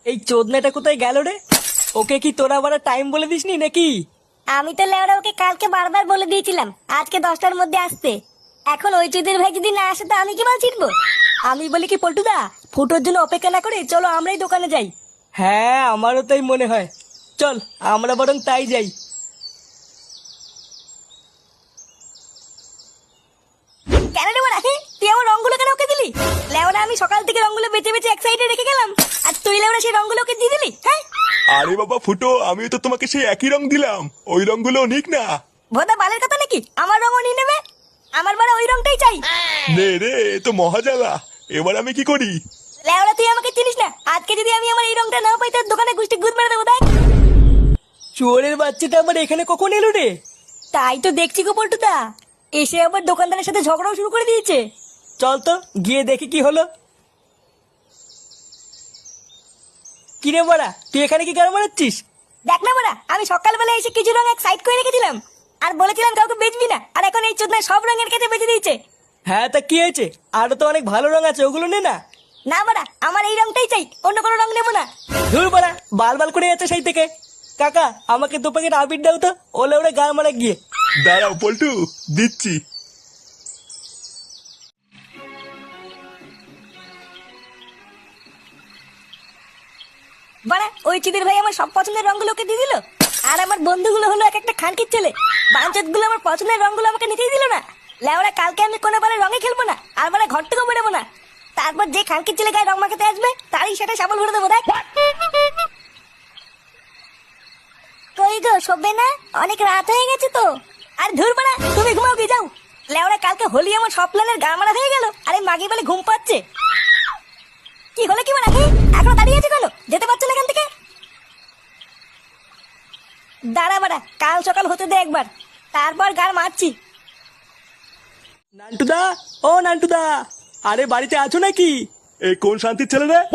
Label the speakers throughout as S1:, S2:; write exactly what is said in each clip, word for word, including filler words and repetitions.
S1: এই চোদনাটা কোথায় গেল রে? ওকে কি তোরা আবার টাইম বলে দিসনি নাকি?
S2: আমি তো লেওরা ওকে কালকে বারবার বলে দিয়েছিলাম আজকে দশটার মধ্যে আসতে। এখন ওই চুদির ভাই যদি না আসে তো আমি কি মাল ছিটবো? আমি বলি কি পল্টুদা, ফুটোর জন্য অপেক্ষা না করে চলো আমরাই দোকানে যাই।
S1: হ্যাঁ, আমারও তাই মনে হয়। চল আমরা বরং তাই যাই।
S2: কেন রে বড়া, হ্যাঁ? তুই আমার রঙগুলো কেন ওকে দিলি? লেওরা আমি সকাল থেকে রঙগুলো বেঁচে বেঁচে এক সাইডে রেখে গেলাম, আর তুই লেওরা সেই রঙগুলো ওকে দিয়ে দিলি? হ্যাঁ
S3: আরে বাবা ফুটো, আমিও তো তোমাকে সেই একই রং দিলাম, ওই রংগুলো নিক না।
S2: ভোদা বালের কথা নাকি আমার রঙও নিয়ে নেবে? আমার বড় ওই রংটাই চাই।
S3: নে রে, এ তো মহাজালা। এবার আমি কি করি?
S2: লেওরা তুই আমাকে চিনিস না, আজকে যদি আমি আমার এই রংটা না পাই তোর দোকানে গুষ্টি গুদ মেরে দেবো। দেখ
S1: চোরের বাচ্চাটা আবার এখানে কখন এলো রে?
S2: তাই তো দেখছি গো পল্টুদা, এসে আবার দোকানদারের সাথে ঝগড়াও শুরু করে দিয়েছে।
S1: চল তো গিয়ে দেখি কি হলো। কিরে বড়া, তুই এখানে কি গান মারাচ্ছিস?
S2: দেখ না বড়া, আমি সকালবেলা এসে কিছু রং এক সাইড করে রেখেছিলাম আর বলেছিলাম কাউকে বেচবি না, আর এখন এই চোদনা সব রঙের কাছে বেচে দিয়েছে।
S1: হ্যাঁ, তা কি হয়েছে? আরো তো অনেক ভালো রং আছে, ওগুলো নে না।
S2: না বড়া, আমার এই রংটাই চাই, অন্য কোনো রং নেবো না।
S1: ধুর বড়া, বাল বাল করে যাচ্ছে সেই থেকে। কাকা, আমাকে দু প্যাকেট আবির দাও তো, ওলে ওরে গান মারা গিয়ে।
S3: দাঁড়াও পল্টু, দিচ্ছি।
S2: বড়া ওই চিদির ভাই আমার সব পছন্দের রঙগুলোকে দিয়ে দিল, আর আমার বন্ধুগুলো হলো এক একটা খানকির ছেলে। বাঞ্চত গুলো আমার পছন্দের রঙগুলো আমাকে নিতেই দিল না। লেওরা কালকে আমি কোনো বারে রঙে খেলবো না, আর মানে ঘর থেকেও বেরোবো না। তারপর যে খানকির ছেলে গায়ে রং মাখাতে আসবে তারই সেটা সাবল ভরে দেবো। দেখ কই গো, শোবে না? অনেক রাত হয়ে গেছে তো। আর ধুর বড়া, তুমি ঘুমাও গিয়ে যাও। লেওরা কালকে হোলি আমার সব প্ল্যানের গা মারা হয়ে গেল, আরে মাগি বলে ঘুম পাচ্ছে। কি হলো কি বড়া, এখনো দাঁড়িয়ে আছে কেন? যেতে পারছো না এখান থেকে? দাঁড়া বাড়া, কাল সকাল হতে দে একবার, তারপর গার মারছি।
S1: নান্টুদা, ও নান্টুদা, আরে বাড়িতে আছো নাকি?
S3: এই কোন শান্তির ছেলে রে?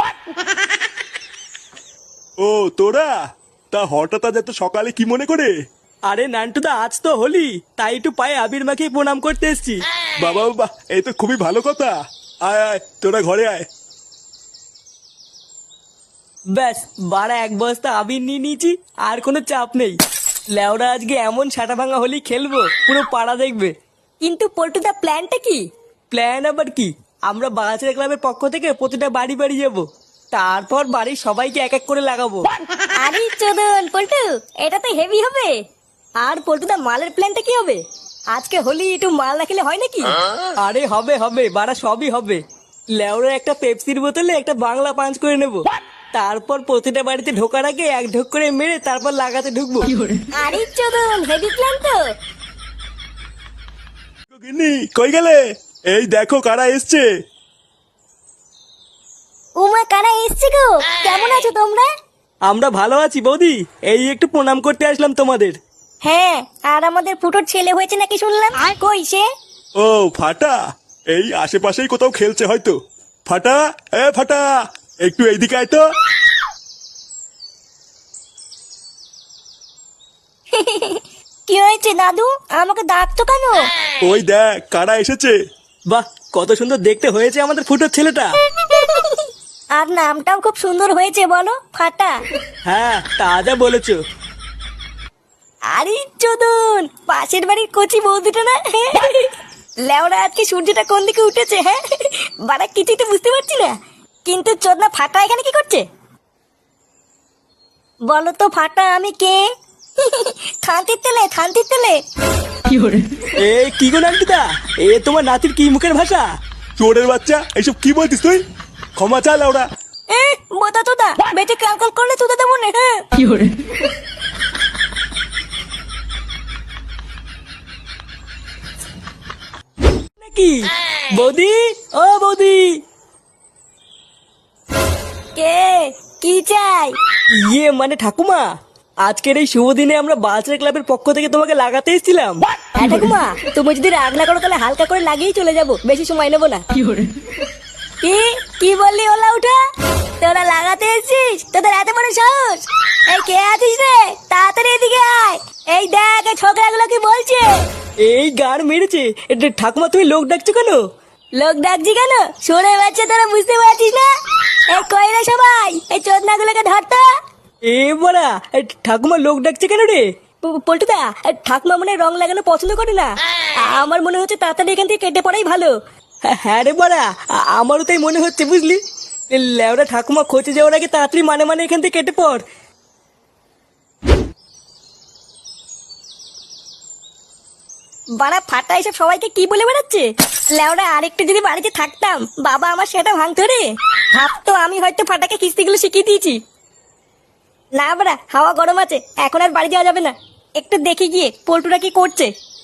S3: ও তোরা, তা হঠাৎ আজ এত সকালে কি মনে করে?
S1: আরে নান্টুদা, আজ তো হোলি, তাই একটু পায়ে আবির মাখিয়ে প্রণাম করতে এসছি।
S3: বাবা বাবা, এই তো খুবই ভালো কথা। আয় আয়, তোরা ঘরে আয়।
S1: ব্যাস, বাড়া এক বস্তা আবির নিয়ে নিয়েছি, আর কোনো চাপ নেই। লেওরা আজকে এমন ছাটা ভাঙা হোলি খেলবো, পুরো পাড়া দেখবে।
S2: কিন্তু পল্টুদা প্ল্যানটা কি?
S1: প্ল্যান আবার কি? আমরা বাগাছের ক্লাবের পক্ষ থেকে প্রতিটা বাড়ি বাড়ি যাব, তারপর বাড়ির সবাইকে এক এক করে লাগাবো।
S2: আরে চোদন পল্টু, এটা তো হেভি হবে। আর পল্টুদা মালের প্ল্যানটা কি হবে? আজকে হোলি একটু মাল না খেলে হয় নাকি?
S1: আরে হবে হবে, বাড়া সবই হবে। লেওরা একটা পেপসির বোতলে একটা বাংলা পাঞ্চ করে নেব, তারপর প্রতিটা বাড়িতে ঢোকার আগে এক ঢোক করে মেরে তারপর লাগাতে ঢুকবো।
S2: আরে চোদন, হেভি প্ল্যান তো।
S3: গিন্নি, কই গেলে? এই দেখো কারা এসছে।
S2: উমা, কারা এসছে গো? কেমন আছো তোমরা?
S1: আমরা ভালো আছি বৌদি, এই একটু প্রণাম করতে আসলাম তোমাদের।
S2: হ্যাঁ, আর আমাদের ফুটোর ছেলে হয়েছে নাকি শুনলাম, কই সে?
S3: ও ফাটা, এই আশেপাশেই কোথাও খেলছে হয়তো। ফাটা, এ ফাটা, একটু এইদিকে আয় তো।
S2: কি হয়েছে দাদু, আমাকে ডাকতো কেন?
S3: ওই দেখ কারা এসেছে।
S1: বাহ, কত সুন্দর দেখতে হয়েছে আমাদের ফুটোর ছেলেটা।
S2: আর নামটাও খুব সুন্দর হয়েছে, বলো ফাটা।
S1: হ্যাঁ, তা যা বলেছো।
S2: আরে চোদন, পাশের বাড়ির কচি বৌদিটা না? লেওরা আজকে সূর্যটা কোন দিকে উঠেছে, হ্যাঁ বাড়া কিছুই তো বুঝতে পারছি না। কিন্তু চোদনা ফাটা এখানে কি করছে বলো তো? ফাটা আমি কে? থানতির তেলে, থানতির তেলে।
S1: এ কি গো নান্টুদা, এ তোমার নাতির কি মুখের ভাষা?
S3: চোরের বাচ্চা, এইসব কি বলছিস তুই? ক্ষমা চা লাউড়া।
S2: এ বোতা তোদা, বেঁচে ক্যালকল করলে তোদা দেবো না। হ্যাঁ
S1: নাকি বৌদি, ও বৌদি।
S2: কে, কি চাই?
S1: ইয়ে মানে ঠাকুমা, আজকের এই শুভ দিনে আমরা বালচার ক্লাবের পক্ষ থেকে তোমাকে লাগাতে এসেছিলাম।
S2: হ্যাঁ ঠাকুমা, তুমি যদি রাগ না করো তাহলে হালকা করে লাগিয়েই চলে যাবো, বেশি সময় নেবো না। কি কি বললি ওলা উঠা? তোরা লাগাতে এসেছিস? তোদের এত বড় সাহস? এই কে আছিস রে? তাড়াতাড়ি এদিকে আয়। এই দেখ এই ছোকরাগুলো কি বলছে।
S1: এই গান মেরেছে। এটা ঠাকুমা, তুমি লোক ডাকছো কেন?
S2: লোক ডাকছি কেন? শুনে বাচ্চা, তোরা বুঝতে পারছিস না? এই কই রে সবাই, এই চোদনাগুলোকে ধরতো।
S1: এ বড়া, এ ঠাকুমা লোক ডাকছে কেন রে?
S2: প- পল্টুদা, এই ঠাকুমা মনে হয় রং লাগানো পছন্দ করে না। আমার মনে হচ্ছে তাড়াতাড়ি এখান থেকে কেটে পড়াই ভালো।
S1: হ্যাঁ, হ্যাঁ রে বড়া, আ- আমারও তাই মনে হচ্ছে বুঝলি। এ লেওরা ঠাকুমা খোঁজে যাওয়ার আগে তাড়াতাড়ি মানে মানে এখান থেকে কেটে পড়।
S2: বাড়া ফাটা এসব সবাইকে কি বলে বেড়াচ্ছে? লেওরা আরেকটু যদি বাড়িতে থাকতাম, বাবা আমার সেটা ভাঙতো রে। ভাবতো আমি হয়তো ফাটাকে কিস্তিগুলো শিখিয়ে দিয়েছি। না বাড়া, হাওয়া গরম আছে, এখন আর বাড়ি যাওয়া যাবে না। একটু দেখে গিয়ে পল্টুরা কি করছে।